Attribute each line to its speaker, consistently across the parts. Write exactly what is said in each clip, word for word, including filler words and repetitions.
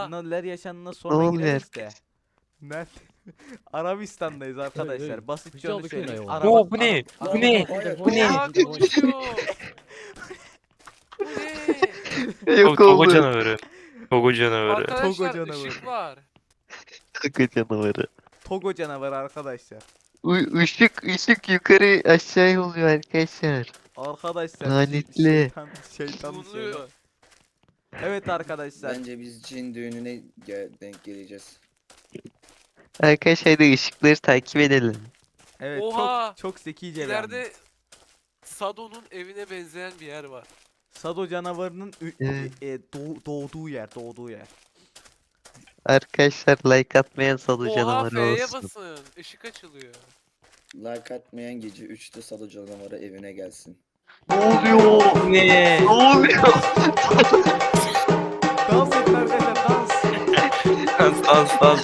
Speaker 1: Ha.
Speaker 2: neler yaşandığına
Speaker 3: Ne
Speaker 2: sonra
Speaker 3: oluyor
Speaker 2: gireriz de.
Speaker 3: arkadaş?
Speaker 2: Nerede? Arabistan'dayız arkadaşlar.
Speaker 4: hey,
Speaker 2: Basitçe
Speaker 4: güzel
Speaker 2: onu
Speaker 4: bir
Speaker 2: söyleyeyim.
Speaker 4: kıyım
Speaker 2: Araba,
Speaker 1: Oo, bu ne?
Speaker 2: araba,
Speaker 1: Bu
Speaker 2: araba-
Speaker 1: ne?
Speaker 5: Hayır.
Speaker 1: Bu ne?
Speaker 5: Hayır.
Speaker 3: şey
Speaker 1: Bu
Speaker 5: Konuşuyor.
Speaker 1: Bu ne?
Speaker 3: Yok
Speaker 1: Togo
Speaker 3: oldu.
Speaker 1: canavarı. Togo canavarı.
Speaker 2: Togo
Speaker 5: Arkadaşlar
Speaker 2: canavarı.
Speaker 5: ışık var.
Speaker 3: Kaka canavarı.
Speaker 2: Togo canavarı arkadaşlar.
Speaker 3: U ışık ışık yukarı aşağı oluyor arkadaşlar.
Speaker 2: Arkadaşlar
Speaker 3: Lanetli.
Speaker 2: şeytan şeytan şeytan.
Speaker 5: Buluyor.
Speaker 2: Evet arkadaşlar.
Speaker 6: Bence biz cin düğününe ge- denk geleceğiz.
Speaker 3: Arkadaşlar hadi ışıkları takip edelim.
Speaker 2: Evet
Speaker 5: Oha!
Speaker 2: çok çok zekice bir
Speaker 5: İleride
Speaker 2: hamle.
Speaker 5: Sado'nun evine benzeyen bir yer var.
Speaker 2: Sado canavarının ü-
Speaker 3: Evet.
Speaker 2: e, e, doğ- doğduğu yer, doğduğu yer.
Speaker 3: Arkadaşlar like atmayan salı
Speaker 5: Oha
Speaker 3: canavarı
Speaker 5: F'ye
Speaker 3: olsun.
Speaker 5: basın. Işık açılıyor.
Speaker 6: Like atmayan gece üçte Sado canavarı evine gelsin.
Speaker 3: Ne oluyor?
Speaker 1: Bu ne?
Speaker 3: Ne oluyor?
Speaker 2: Dans edin arkadaşlar dans.
Speaker 1: Dans dans dans.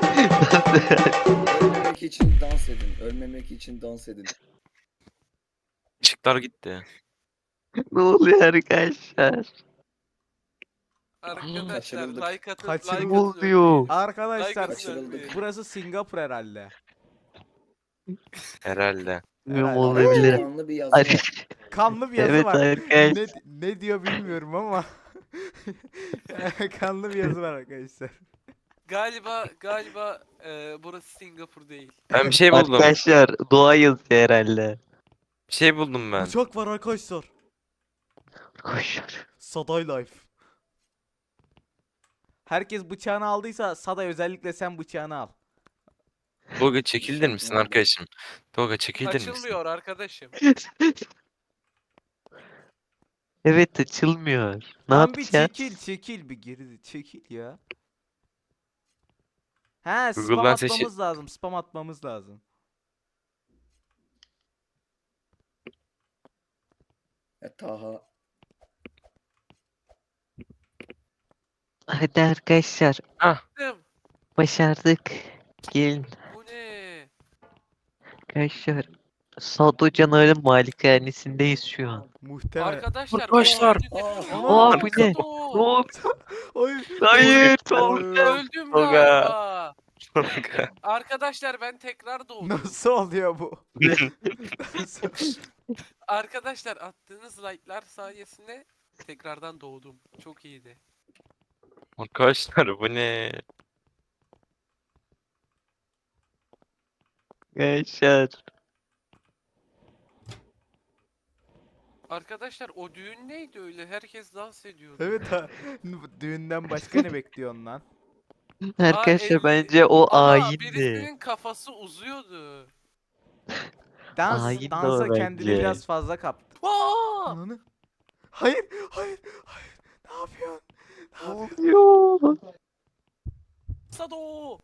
Speaker 6: Ölmemek için dans edin. Ölmemek için dans edin.
Speaker 1: Işıklar gitti.
Speaker 3: Ne oluyor arkadaşlar?
Speaker 5: Arkadaşlar
Speaker 6: Kaçırıldık.
Speaker 5: like atın.
Speaker 2: Kaçırıldık.
Speaker 5: Like
Speaker 3: Ne
Speaker 5: atın.
Speaker 3: oluyor?
Speaker 2: Arkadaşlar
Speaker 5: Like atın.
Speaker 6: Kaçırıldık.
Speaker 2: burası Singapur herhalde.
Speaker 1: Herhalde.
Speaker 3: Bilmiyorum
Speaker 2: Herhalde.
Speaker 3: olabilir.
Speaker 6: Kanlı bir yazı
Speaker 3: Ar-
Speaker 6: var.
Speaker 2: Kanlı bir yazı
Speaker 3: evet
Speaker 2: var.
Speaker 3: arkadaşlar.
Speaker 2: Ne, ne diyor bilmiyorum ama. Kanlı bir yazı var arkadaşlar.
Speaker 5: Galiba galiba e, burası Singapur değil.
Speaker 1: Ben bir şey buldum.
Speaker 3: Arkadaşlar doğa yazıyor herhalde.
Speaker 1: Bir şey buldum ben.
Speaker 2: Uçak var arkadaşlar.
Speaker 3: Koşuyor.
Speaker 2: Saday Life. Herkes bıçağını aldıysa Saday özellikle sen bıçağını al.
Speaker 1: Tolga çekildir misin arkadaşım? Tolga çekildir misin?
Speaker 5: Açılmıyor arkadaşım.
Speaker 3: Evet açılmıyor. Ne
Speaker 2: Lan bir
Speaker 3: yapacağız?
Speaker 2: çekil çekil bir geri çekil ya. He spam
Speaker 1: Google'dan seçi-
Speaker 2: atmamız lazım. Spam atmamız lazım.
Speaker 6: Ya, Taha.
Speaker 3: Hadi arkadaşlar
Speaker 5: Dım,
Speaker 3: başardık. Gelin
Speaker 5: Bu ne?
Speaker 3: arkadaşlar. Sado canavarın malikanesindeyiz şu an.
Speaker 2: Muhtemelen.
Speaker 5: Arkadaşlar.
Speaker 1: Arkadaşlar.
Speaker 5: o-
Speaker 6: Aa,
Speaker 3: Aa, bu ne?
Speaker 5: Sado!
Speaker 3: Ne oldu?
Speaker 2: Hayır.
Speaker 3: Hayır
Speaker 2: Oy.
Speaker 3: Tolga.
Speaker 5: Öldüm
Speaker 1: Tolga.
Speaker 5: galiba.
Speaker 1: Tolga.
Speaker 5: Arkadaşlar ben tekrar doğdum.
Speaker 2: Nasıl oluyor bu? Nasıl?
Speaker 5: Arkadaşlar attığınız like'lar sayesinde tekrardan doğdum. Çok iyiydi.
Speaker 1: Arkadaşlar bu ne?
Speaker 3: Arkadaşlar.
Speaker 5: Arkadaşlar o düğün neydi öyle? Herkes dans ediyordu.
Speaker 2: Evet ha. Düğünden başka ne bekliyorsun lan?
Speaker 3: Arkadaşlar
Speaker 5: elli-
Speaker 3: bence o
Speaker 5: Ama
Speaker 3: ayindi.
Speaker 5: birisinin kafası uzuyordu.
Speaker 2: Dans,
Speaker 3: Hain de o
Speaker 2: dansa kendini
Speaker 3: bence.
Speaker 2: biraz fazla kaptı.
Speaker 5: Aa!
Speaker 2: Ananı. Hayır, hayır, hayır. Ne yapıyorsun? Ne
Speaker 3: Ne
Speaker 2: yapıyorsun?
Speaker 3: oluyor?
Speaker 5: Sado!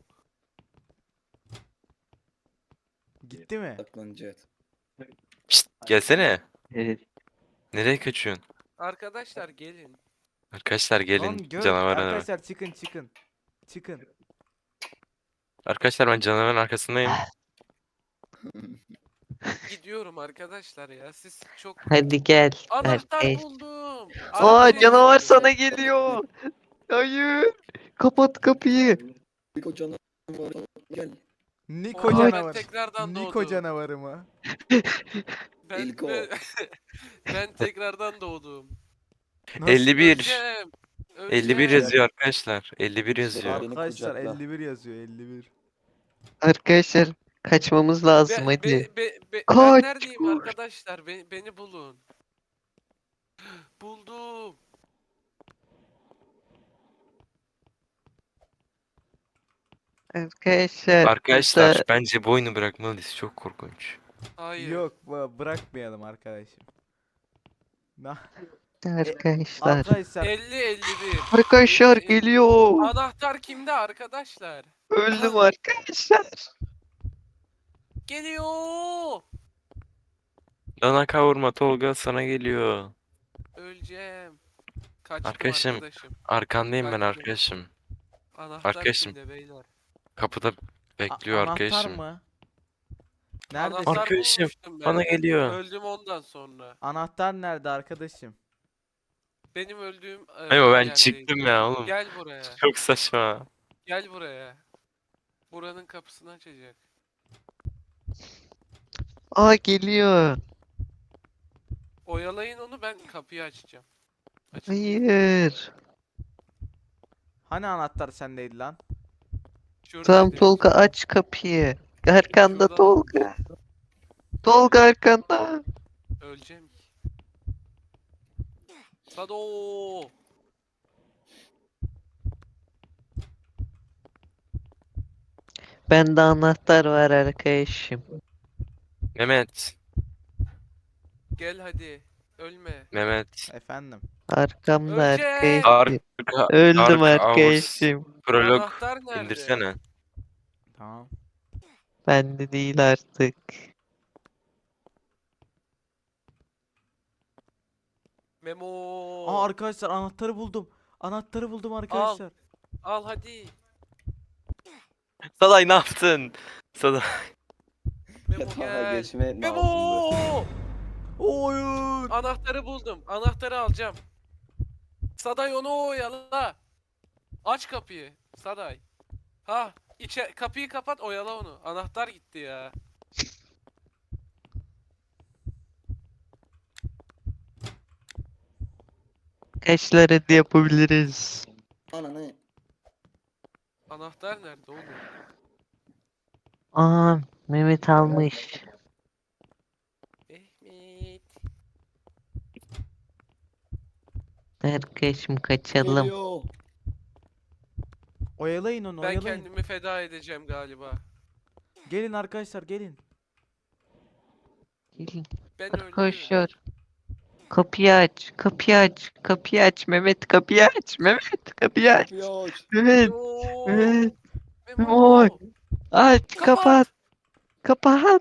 Speaker 2: Gitti mi?
Speaker 6: Saklanacağız.
Speaker 1: Şşt, gelsene.
Speaker 3: Evet.
Speaker 1: Nereye kaçıyorsun?
Speaker 5: Arkadaşlar gelin.
Speaker 1: Arkadaşlar gelin
Speaker 2: Lan gör,
Speaker 1: canavarın arkadaşlar.
Speaker 2: arkadaşlar çıkın çıkın. Çıkın.
Speaker 1: arkadaşlar ben canavarın arkasındayım.
Speaker 5: Gidiyorum arkadaşlar ya. Siz çok
Speaker 3: Hadi gel.
Speaker 5: anahtar
Speaker 3: Arkadaş.
Speaker 5: buldum.
Speaker 3: Aa
Speaker 5: Arabayı-
Speaker 3: canavar sana geliyor. Hayır. Kapat kapıyı.
Speaker 6: Niko canavarı gel.
Speaker 2: Niko
Speaker 5: Oha, ben
Speaker 2: canavar.
Speaker 5: tekrardan
Speaker 2: Niko
Speaker 5: doğdum.
Speaker 2: canavarı mı?
Speaker 5: Ben,
Speaker 6: İlk o.
Speaker 5: ben, ben tekrardan doğdum.
Speaker 2: Nasıl?
Speaker 1: elli bir.
Speaker 5: Öleceğim.
Speaker 1: elli bir
Speaker 5: Öleceğim.
Speaker 1: yazıyor arkadaşlar. elli bir yazıyor.
Speaker 6: Beni
Speaker 2: Arkadaşlar
Speaker 6: kucakla.
Speaker 2: elli bir yazıyor elli bir.
Speaker 3: Arkadaşlar kaçmamız lazım
Speaker 5: Be,
Speaker 3: hadi.
Speaker 5: be, be, be,
Speaker 3: Kaç,
Speaker 5: ben neredeyim
Speaker 3: kaç.
Speaker 5: arkadaşlar? Beni, beni bulun. Buldum.
Speaker 3: Arkadaşlar.
Speaker 1: Arkadaşlar
Speaker 3: burada-
Speaker 1: bence bu oyunu bırakmalıyız. Çok korkunç.
Speaker 5: Hayır.
Speaker 2: Yok bu- bırakmayalım arkadaşım. Na-
Speaker 3: Arkadaşlar.
Speaker 2: Arkadaşlar
Speaker 5: elli elli bir.
Speaker 3: Arkadaşlar
Speaker 5: elli-
Speaker 3: geliyor.
Speaker 5: Anahtar kimde arkadaşlar?
Speaker 3: Öldüm arkadaşlar.
Speaker 5: Geliyor.
Speaker 1: Dana kavurma Tolga sana geliyor.
Speaker 5: Öleceğim. Kaçtım
Speaker 1: Arkadaşım,
Speaker 5: arkadaşım.
Speaker 1: Arkandayım ben
Speaker 5: Kaçtım.
Speaker 1: arkadaşım.
Speaker 5: Anahtar
Speaker 1: arkadaşım.
Speaker 5: kimde beyler?
Speaker 1: Kapıda
Speaker 2: a-
Speaker 1: bekliyor
Speaker 2: anahtar
Speaker 1: arkadaşım.
Speaker 2: mı? Nerede?
Speaker 5: Anahtar
Speaker 1: Arkadaşım,
Speaker 5: bulmuştum ben.
Speaker 1: Bana geliyor.
Speaker 5: Öldüm ondan sonra.
Speaker 2: Anahtar nerede arkadaşım?
Speaker 5: Benim öldüğüm e,
Speaker 1: Memo ben
Speaker 5: yerdeydi.
Speaker 1: çıktım ya oğlum.
Speaker 5: Gel buraya.
Speaker 1: Çok saçma.
Speaker 5: Gel buraya. Buranın kapısını açacak.
Speaker 3: Aa geliyor.
Speaker 5: Oyalayın onu, ben kapıyı açacağım. Açın.
Speaker 3: Hayır.
Speaker 2: Hani anahtar sendeydi lan?
Speaker 5: Şuradaydı.
Speaker 3: Tamam Tolga aç kapıyı. Arkanda
Speaker 5: Şurada.
Speaker 3: Tolga. Tolga arkanda.
Speaker 5: Öleceğim. Sado.
Speaker 3: Bende anahtar var arkadaşım.
Speaker 1: Mehmet.
Speaker 5: Gel hadi. Ölme.
Speaker 1: Mehmet.
Speaker 2: Efendim.
Speaker 3: Arkamda
Speaker 5: Öleceğim.
Speaker 3: arkadaşım.
Speaker 1: Arka,
Speaker 3: Öldüm
Speaker 1: arka hours.
Speaker 3: arkadaşım.
Speaker 1: Prolog
Speaker 5: Anahtar nerede?
Speaker 1: indirsene.
Speaker 2: Tamam.
Speaker 3: Bende değil artık.
Speaker 5: Memo.
Speaker 2: Aa arkadaşlar anahtarı buldum. Anahtarı buldum arkadaşlar.
Speaker 5: Al hadi.
Speaker 1: Saday ne yaptın? Saday.
Speaker 5: Memo
Speaker 6: Yatağa
Speaker 5: gel.
Speaker 6: geçme lazımdı.
Speaker 5: Memo.
Speaker 2: Oyun.
Speaker 5: Anahtarı buldum. Anahtarı alacağım. Saday onu oyala. Aç kapıyı. Saday. Ha, içe kapıyı kapat, oyala onu. Anahtar gitti ya.
Speaker 3: Kaçlar hadi yapabiliriz.
Speaker 6: Ananı.
Speaker 5: Anahtar nerede oğlum?
Speaker 3: Aa Mehmet almış.
Speaker 5: Mehmet.
Speaker 3: Arkadaşım kaçalım.
Speaker 6: Geliyor.
Speaker 2: Oyalayın onu
Speaker 5: Ben
Speaker 2: oyalayın.
Speaker 5: kendimi feda edeceğim galiba.
Speaker 2: Gelin arkadaşlar gelin.
Speaker 3: Gelin
Speaker 5: Ben öldüm.
Speaker 3: arkadaşlar. Kapıyı aç. Kapıyı aç. Kapıyı aç. Mehmet kapıyı aç. Mehmet kapıyı aç.
Speaker 6: Kapıyı aç.
Speaker 3: Mehmet
Speaker 5: Memo.
Speaker 3: Evet.
Speaker 5: Memo.
Speaker 3: Memo. aç.
Speaker 5: Kapat.
Speaker 3: Kapat. Kapat.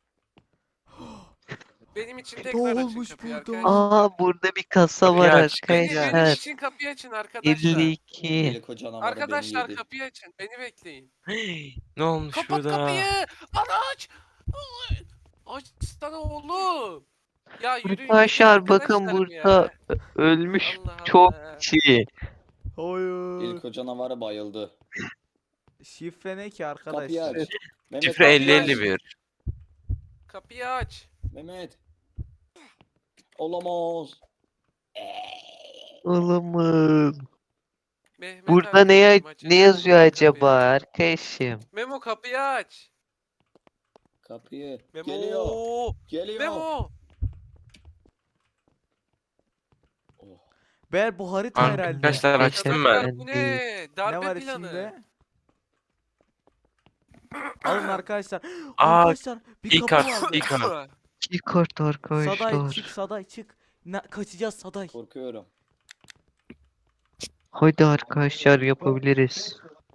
Speaker 5: Benim için
Speaker 2: Ne
Speaker 5: tekrar açın
Speaker 2: olmuş
Speaker 5: kapıyı
Speaker 2: burada?
Speaker 5: arkadaşlar.
Speaker 3: Aa burada bir kasa
Speaker 1: Kapıyı
Speaker 3: var
Speaker 1: aç.
Speaker 5: Beni, benim
Speaker 3: arkadaşlar.
Speaker 5: için kapıyı açın arkadaşlar.
Speaker 3: elli iki.
Speaker 6: Delik o canavarı beni
Speaker 5: Arkadaşlar
Speaker 6: yedi.
Speaker 5: kapıyı açın. Beni bekleyin.
Speaker 1: Ne olmuş
Speaker 5: Kapat
Speaker 1: burada?
Speaker 5: kapıyı. Bana aç. Ay, açsana oğlum. Ya yürüyün gidin
Speaker 3: Arkadaşlar bakın
Speaker 5: arkadaşlarım
Speaker 3: burada
Speaker 5: ya.
Speaker 3: ölmüş
Speaker 5: Allah
Speaker 3: çok
Speaker 5: Allah.
Speaker 3: kişi.
Speaker 2: Hayır.
Speaker 6: İlk o canavarı bayıldı.
Speaker 2: Şifre ne ki
Speaker 6: Kapıyı
Speaker 2: arkadaşlar?
Speaker 6: aç. Mehmet
Speaker 1: Şifre
Speaker 6: kapıyı
Speaker 1: elli
Speaker 6: aç.
Speaker 1: elli bir.
Speaker 5: Kapıyı aç.
Speaker 6: Mehmet. Olamaz.
Speaker 3: Olamaz.
Speaker 5: Mehmet
Speaker 3: Burada ne, ya-
Speaker 5: arkadaşım, açacak
Speaker 3: ne yazıyor
Speaker 5: mısın kapıyı?
Speaker 3: acaba arkadaşım?
Speaker 5: Memo kapıyı aç.
Speaker 6: Kapıyı.
Speaker 5: Memo.
Speaker 6: Geliyor. Geliyor.
Speaker 5: Memo.
Speaker 6: Oh.
Speaker 2: Ber bu harita herhalde.
Speaker 1: Arkadaşlar açtım
Speaker 5: Arkadaşlar
Speaker 1: ben.
Speaker 5: bu
Speaker 3: Ben değil.
Speaker 5: ne?
Speaker 2: Ne
Speaker 5: Darbe
Speaker 2: var
Speaker 5: planı.
Speaker 2: içinde? Alın arkadaşlar.
Speaker 1: Aa,
Speaker 2: Arkadaşlar bir
Speaker 1: İlk
Speaker 2: kapı
Speaker 1: harf,
Speaker 2: vardı.
Speaker 1: ilk harf.
Speaker 3: İyi kart
Speaker 2: Saday
Speaker 3: arkadaşlar.
Speaker 2: çık Saday çık. Ne, kaçacağız Saday.
Speaker 6: Korkuyorum.
Speaker 3: Hadi arkadaşlar yapabiliriz.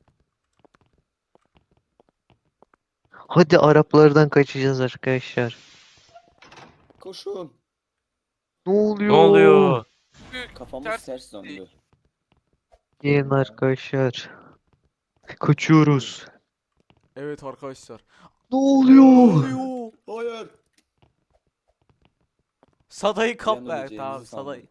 Speaker 3: Hadi Araplardan kaçacağız arkadaşlar.
Speaker 6: Koşun.
Speaker 3: Ne oluyor?
Speaker 1: Ne oluyor?
Speaker 5: Büyük.
Speaker 6: Kafamız
Speaker 5: Ters
Speaker 6: ters döndü.
Speaker 3: Gelin arkadaşlar. Kaçıyoruz.
Speaker 2: Evet arkadaşlar.
Speaker 3: Ne
Speaker 2: Ne
Speaker 3: oluyor?
Speaker 2: oluyor?
Speaker 6: Hayır.
Speaker 2: Saday'ı kap
Speaker 6: Yanı
Speaker 2: ver.
Speaker 6: öleceğimizi
Speaker 2: Tamam
Speaker 6: sandım.
Speaker 2: Saday.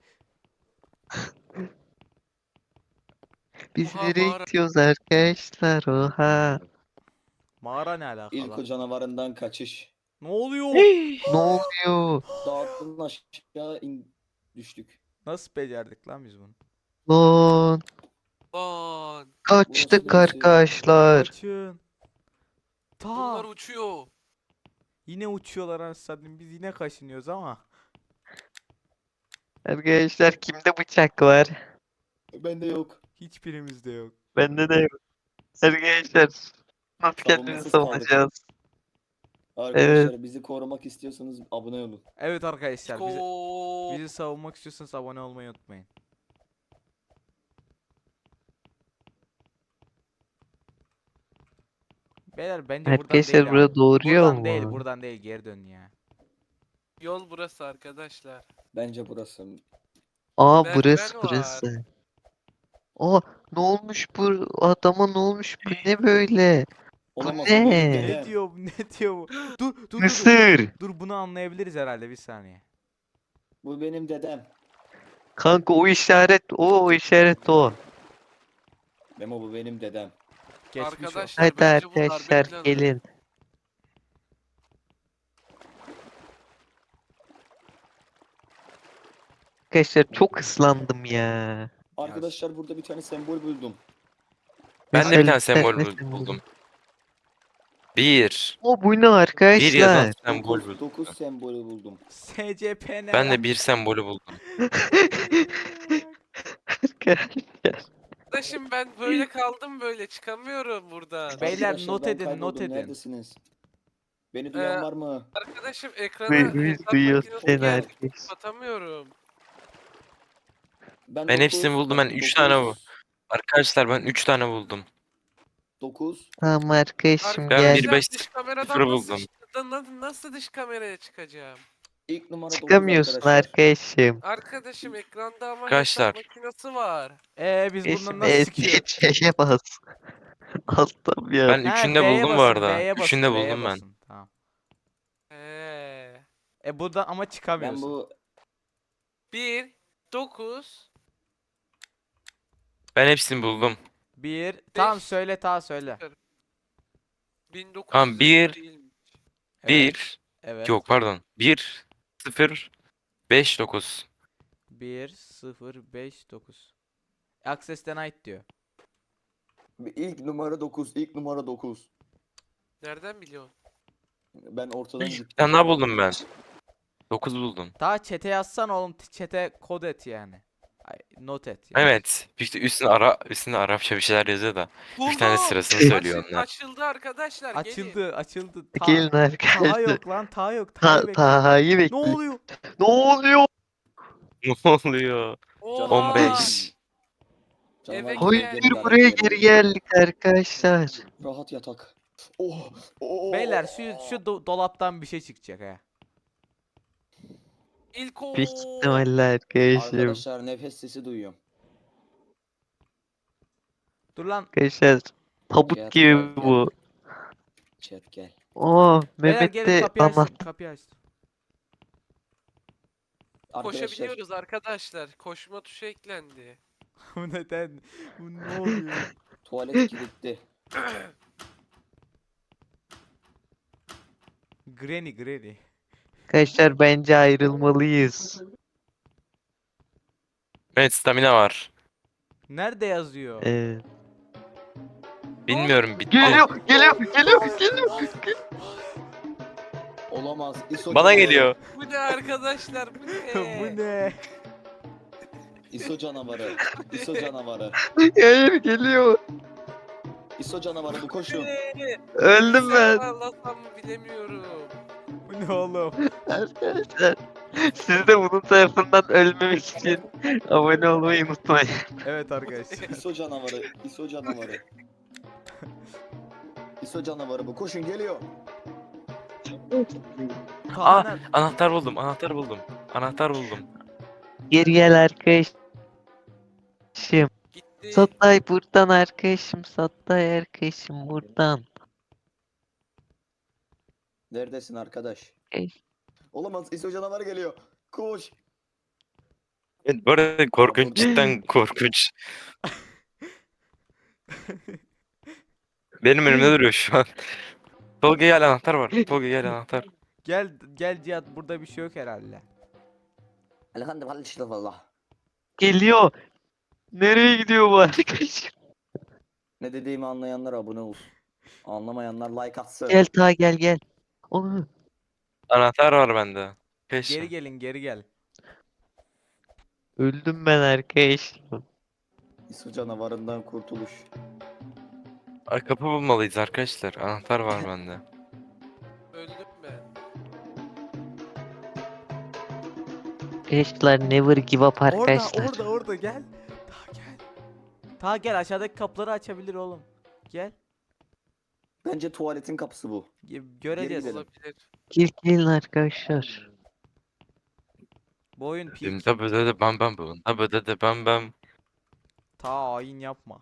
Speaker 3: Biz
Speaker 5: Oha,
Speaker 3: nereye
Speaker 5: mağara.
Speaker 3: gidiyoruz arkadaşlar? Oha.
Speaker 2: Mağara ne alaka
Speaker 6: İlk
Speaker 2: lan?
Speaker 6: o canavarından kaçış.
Speaker 2: Ne oluyor?
Speaker 3: Ne oluyor?
Speaker 6: Dağdan aşağı in düştük.
Speaker 2: Nasıl becerdik lan biz bunu?
Speaker 3: Lan.
Speaker 5: Lan.
Speaker 3: Kaçtık
Speaker 6: Burası neresi?
Speaker 3: arkadaşlar.
Speaker 2: Kaçın. Ta.
Speaker 5: Bunlar uçuyor.
Speaker 2: Yine uçuyorlar anasını. Biz yine kaşınıyoruz ama.
Speaker 3: Arkadaşlar kimde bıçak var?
Speaker 6: Bende yok.
Speaker 2: Hiçbirimizde yok.
Speaker 3: Bende de yok. Arkadaşlar nasıl kendimizi
Speaker 6: Savunmasız kaldık.
Speaker 3: savunacağız?
Speaker 6: Arkadaşlar bizi korumak istiyorsanız abone olun.
Speaker 2: Evet arkadaşlar bizi,
Speaker 5: Ko.
Speaker 2: bizi savunmak istiyorsanız abone olmayı unutmayın. Beyler bence buradan
Speaker 3: Arkadaşlar
Speaker 2: değil
Speaker 3: burada
Speaker 2: abi.
Speaker 3: doğru yol
Speaker 2: Buradan
Speaker 3: mu?
Speaker 2: değil buradan değil geri dön ya.
Speaker 5: Yol burası arkadaşlar.
Speaker 6: Bence burası.
Speaker 3: Aa
Speaker 5: Merdiven
Speaker 3: burası
Speaker 5: var.
Speaker 3: burası. Aa ne olmuş bu adama ne olmuş bu ne böyle?
Speaker 6: Olamaz.
Speaker 3: ne?
Speaker 6: benim
Speaker 2: Ne
Speaker 6: dedem.
Speaker 2: diyor bu ne diyor bu? Dur dur dur. Dur,
Speaker 3: Mısır.
Speaker 2: dur bunu anlayabiliriz herhalde bir saniye.
Speaker 6: Bu benim dedem.
Speaker 3: Kanka o işaret o, o işaret o.
Speaker 6: Memo bu benim dedem.
Speaker 2: Geçmiş o.
Speaker 5: Arkadaşlar
Speaker 3: Hadi
Speaker 5: bence bu darbe
Speaker 3: arkadaşlar
Speaker 5: planı.
Speaker 3: gelin. Arkadaşlar çok ıslandım ya.
Speaker 6: Arkadaşlar burada bir tane sembol buldum.
Speaker 1: Ben de bir tane
Speaker 3: Mesela
Speaker 1: sembol
Speaker 3: ne
Speaker 1: bul-
Speaker 3: sembol?
Speaker 1: buldum. Bir.
Speaker 3: O bu ne
Speaker 1: Bir yazan
Speaker 3: arkadaşlar?
Speaker 1: sembol
Speaker 6: dokuz,
Speaker 1: buldum.
Speaker 6: dokuz sembolü buldum.
Speaker 2: S C P ne
Speaker 1: Ben
Speaker 2: lan?
Speaker 1: de bir sembolü buldum.
Speaker 3: Arkadaşlar.
Speaker 5: Arkadaşım ben böyle kaldım böyle çıkamıyorum buradan.
Speaker 2: Beyler,
Speaker 6: Arkadaşlar,
Speaker 2: not
Speaker 6: ben
Speaker 2: edin, not
Speaker 6: kayboldum.
Speaker 2: edin.
Speaker 6: Neredesiniz? Beni duyan
Speaker 5: Ee,
Speaker 6: var mı?
Speaker 5: Arkadaşım ekrana
Speaker 3: Biz
Speaker 5: hesap
Speaker 3: duyuyoruz
Speaker 5: makinesi
Speaker 3: seni
Speaker 5: geldi.
Speaker 3: arkadaş.
Speaker 5: Kapatamıyorum.
Speaker 6: Ben,
Speaker 1: Ben hepsini buldum, ben üç tane bu- Arkadaşlar ben üç tane buldum.
Speaker 6: dokuz.
Speaker 3: Tamam arkadaşım
Speaker 1: Ben
Speaker 3: gel.
Speaker 1: bir beş
Speaker 5: dış
Speaker 1: sıfır
Speaker 5: kameradan nasıl,
Speaker 1: buldum.
Speaker 5: çık- na- nasıl dış kameraya çıkacağım?
Speaker 6: İlk numara dokuz
Speaker 3: Çıkamıyorsun
Speaker 6: arkadaşlar.
Speaker 3: arkadaşım.
Speaker 5: Arkadaşım ekranda ama
Speaker 1: Arkadaşlar.
Speaker 5: hesap makinesi var.
Speaker 2: Ee biz bundan
Speaker 3: Eşim
Speaker 2: nasıl çıkıyoruz?
Speaker 3: şeye bas. Alttan ya.
Speaker 1: Ben
Speaker 2: Ha,
Speaker 1: üçünü de
Speaker 2: V'ye
Speaker 1: buldum bu
Speaker 2: basın,
Speaker 1: arada.
Speaker 2: V'ye
Speaker 1: Üçünü de
Speaker 2: basın, V'ye
Speaker 1: buldum ben.
Speaker 2: basın. Tamam.
Speaker 5: Ee,
Speaker 2: E buradan ama
Speaker 6: Ben
Speaker 2: çıkamıyorsun.
Speaker 6: bu
Speaker 5: bir, dokuz,
Speaker 1: Ben hepsini buldum.
Speaker 2: Bir. Tamam
Speaker 5: Beş.
Speaker 2: söyle, ta söyle.
Speaker 5: bin dokuz yüz
Speaker 1: Tamam, bir,
Speaker 5: değil.
Speaker 2: Evet.
Speaker 1: Bir.
Speaker 2: Evet.
Speaker 1: Yok pardon. Bir. Sıfır. Beş dokuz.
Speaker 2: bir sıfır beş dokuz. Access denied diyor.
Speaker 6: ilk numara dokuz. İlk numara dokuz.
Speaker 5: Nereden biliyorsun?
Speaker 6: Ben ortadan
Speaker 1: Bir
Speaker 6: gittim.
Speaker 1: tane daha buldum ben. Dokuz buldum.
Speaker 2: Daha chat'e yazsan oğlum, chat'e kod et yani. Ay, not et yani.
Speaker 1: Evet. İşte üstüne ara üstüne Arapça bir şeyler yazıyor da. Bir tane
Speaker 5: Buldum.
Speaker 1: sırasını
Speaker 3: Açıl-
Speaker 1: söylüyor
Speaker 5: Açıl-
Speaker 1: onlar.
Speaker 5: Açıldı arkadaşlar. Gelin.
Speaker 2: Açıldı, açıldı. Ta,
Speaker 3: Gelin
Speaker 2: Taha
Speaker 3: arkadaşlar.
Speaker 2: yok lan, ta yok. Taha'yı
Speaker 3: Ta
Speaker 2: bekle.
Speaker 3: Taha'yı
Speaker 2: Ne
Speaker 3: bekle.
Speaker 2: oluyor?
Speaker 3: Ne oluyor?
Speaker 1: Ne oluyor?
Speaker 5: Oha!
Speaker 1: on beş.
Speaker 6: Canavar
Speaker 5: Eve
Speaker 6: gibi
Speaker 3: Hayır
Speaker 5: gel.
Speaker 6: geri
Speaker 3: buraya
Speaker 6: geldik,
Speaker 3: geri geldik arkadaşlar.
Speaker 6: Rahat yatak. Oh, oh,
Speaker 2: Beyler şu şu do- dolaptan bir şey çıkacak ha.
Speaker 5: İlk o.
Speaker 3: Büyük ihtimalle arkadaşım.
Speaker 6: Arkadaşlar nefes sesi duyuyorum.
Speaker 2: Dur lan.
Speaker 3: Arkadaşlar tabut
Speaker 6: Gel,
Speaker 3: gibi
Speaker 6: gel, gel.
Speaker 3: bu.
Speaker 6: Chat gel.
Speaker 3: Oo
Speaker 2: Beyler
Speaker 3: Mehmet
Speaker 2: gelin,
Speaker 3: de
Speaker 2: kapıyı açtım,
Speaker 3: anlat.
Speaker 2: kapıyı açtım.
Speaker 6: Arkadaşlar
Speaker 5: Koşabiliyoruz arkadaşlar. Koşma tuşu eklendi.
Speaker 2: Bu neden? Bu ne oluyor?
Speaker 6: tuvalet kilitli.
Speaker 2: Granny, Granny.
Speaker 3: Arkadaşlar bence ayrılmalıyız.
Speaker 1: Evet, stamina var.
Speaker 2: Nerede yazıyor?
Speaker 3: Ee,
Speaker 1: Bilmiyorum, bitti.
Speaker 3: geliyor, geliyor, geliyor, geliyor.
Speaker 6: Olamaz. ISO
Speaker 1: Bana
Speaker 6: canavarı.
Speaker 1: geliyor.
Speaker 5: Bu ne arkadaşlar? Bu ne?
Speaker 2: Bu ne?
Speaker 6: ISO canavarı. ISO canavarı.
Speaker 3: Hayır geliyor.
Speaker 6: ISO canavarı bu koşun.
Speaker 5: Ne?
Speaker 3: Öldüm ben.
Speaker 5: Anlatsam mı bilemiyorum.
Speaker 2: Bu ne oğlum?
Speaker 3: Arkadaşlar siz de bunun tarafından ölmemek için abone olmayı unutmayın.
Speaker 2: Evet arkadaşlar.
Speaker 6: ISO canavarı. ISO canavarı. ISO canavarı bu. Koşun geliyor.
Speaker 1: Aa,
Speaker 2: Kaan,
Speaker 1: anahtar buldum, anahtar buldum. Anahtar buldum.
Speaker 3: Geri gel arkadaşım.
Speaker 5: Gitti.
Speaker 3: Satay buradan arkadaşım. Satay arkadaşım buradan.
Speaker 6: Neredesin arkadaş?
Speaker 3: Ey.
Speaker 6: Olamaz. ISO canavarı geliyor. Koş.
Speaker 1: Evet, bu arada korkunç, cidden korkunç. Benim önümde duruyor şu an. Tolga gel, anahtar var. Tolga gel, anahtar.
Speaker 2: gel gel Cihat, burada bir şey yok herhalde.
Speaker 6: Elhamdülillah.
Speaker 3: Geliyor. Nereye gidiyor bu arkadaşım?
Speaker 6: Ne dediğimi anlayanlar abone olsun. Anlamayanlar like atsın.
Speaker 3: Gel ta gel gel. Onu.
Speaker 1: Anahtar var bende. Peşin.
Speaker 2: Geri gelin, geri gel.
Speaker 3: Öldüm ben arkadaşım.
Speaker 6: ISO canavarından kurtuluş.
Speaker 1: Ay, kapı bulmalıyız arkadaşlar. Anahtar var bende.
Speaker 5: Öldüm ben.
Speaker 3: Arkadaşlar never give up
Speaker 2: Orada,
Speaker 3: arkadaşlar.
Speaker 2: orada, orada gel. Ta gel. Ta gel, aşağıdaki kapıları açabilir oğlum. Gel.
Speaker 6: Bence tuvaletin kapısı bu.
Speaker 2: Ge- Göreceğiz.
Speaker 6: gidelim.
Speaker 5: Olabilir.
Speaker 3: Gel gelin arkadaşlar.
Speaker 2: Bu oyun peak.
Speaker 1: Dimda böde de bam bam bam. Da böde de bam bam.
Speaker 2: Ta hain yapma.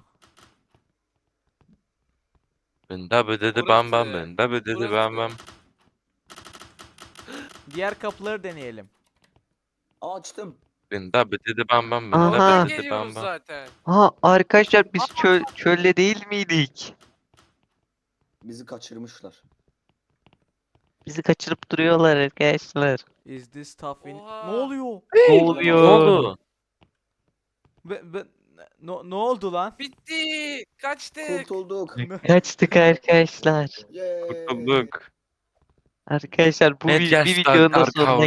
Speaker 1: Da böde de bam bam.
Speaker 5: Burası.
Speaker 1: Da böde de bam bam.
Speaker 2: Diğer kapıları deneyelim.
Speaker 6: Aa, açtım.
Speaker 1: Ben da dedi bam bam ben
Speaker 3: Aha.
Speaker 1: da
Speaker 5: Oradan
Speaker 1: dedi bam
Speaker 5: geliyoruz
Speaker 1: bam.
Speaker 5: zaten.
Speaker 3: Ha arkadaşlar biz çöl çölde değil miydik?
Speaker 6: Bizi kaçırmışlar.
Speaker 3: Bizi kaçırıp duruyorlar arkadaşlar.
Speaker 2: Is this tough in...
Speaker 5: Oha.
Speaker 2: Ne oluyor?
Speaker 3: Ne
Speaker 1: Ne
Speaker 3: oluyor?
Speaker 1: oldu?
Speaker 2: Ben, ben... Ne, ne oldu lan?
Speaker 5: Bitti. Kaçtık.
Speaker 6: Kurtulduk.
Speaker 3: Kaçtık arkadaşlar.
Speaker 6: Yay.
Speaker 1: Kurtulduk.
Speaker 3: Arkadaşlar bu
Speaker 1: Net
Speaker 3: vi-
Speaker 1: gel
Speaker 3: bir
Speaker 1: Stark
Speaker 3: videonun da
Speaker 1: Arka
Speaker 3: sonuna